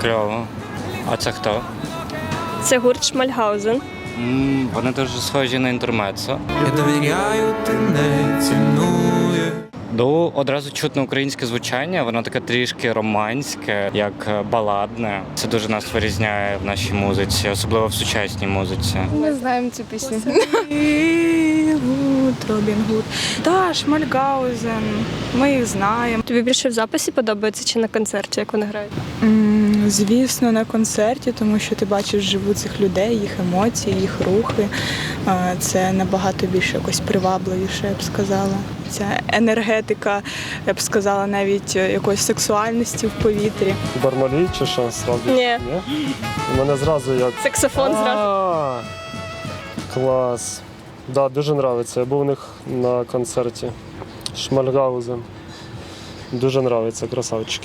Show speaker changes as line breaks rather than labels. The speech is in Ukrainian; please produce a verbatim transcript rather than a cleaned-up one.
Кльово. А це хто?
Це гурт Шмальгаузен.
М, Вони дуже схожі на інтермецо.
Я довіряю, ти не цінує.
Ну, одразу чутно українське звучання, воно таке трішки романське, як баладне. Це дуже нас вирізняє в нашій музиці, особливо в сучасній музиці.
Ми знаємо цю пісню.
Гуд, Робін Гуд. Та, Шмальгаузен. Ми їх знаємо.
Тобі більше в записі подобається чи на концерті, як вони грають?
М, Звісно, на концерті, тому що ти бачиш живу цих людей, їх емоції, їх рухи. Е, Це набагато більше якось привабливіше, я б сказала. Ця енергетика, я б сказала, навіть е, якоїсь сексуальності в повітрі.
Бармалій чи що? Зразу?
Ні.
У мене зразу як...
Саксофон зразу.
А, клас. Да, дуже подобається. Я був у них на концерті. Шмальгаузен. Дуже подобається, красавчики.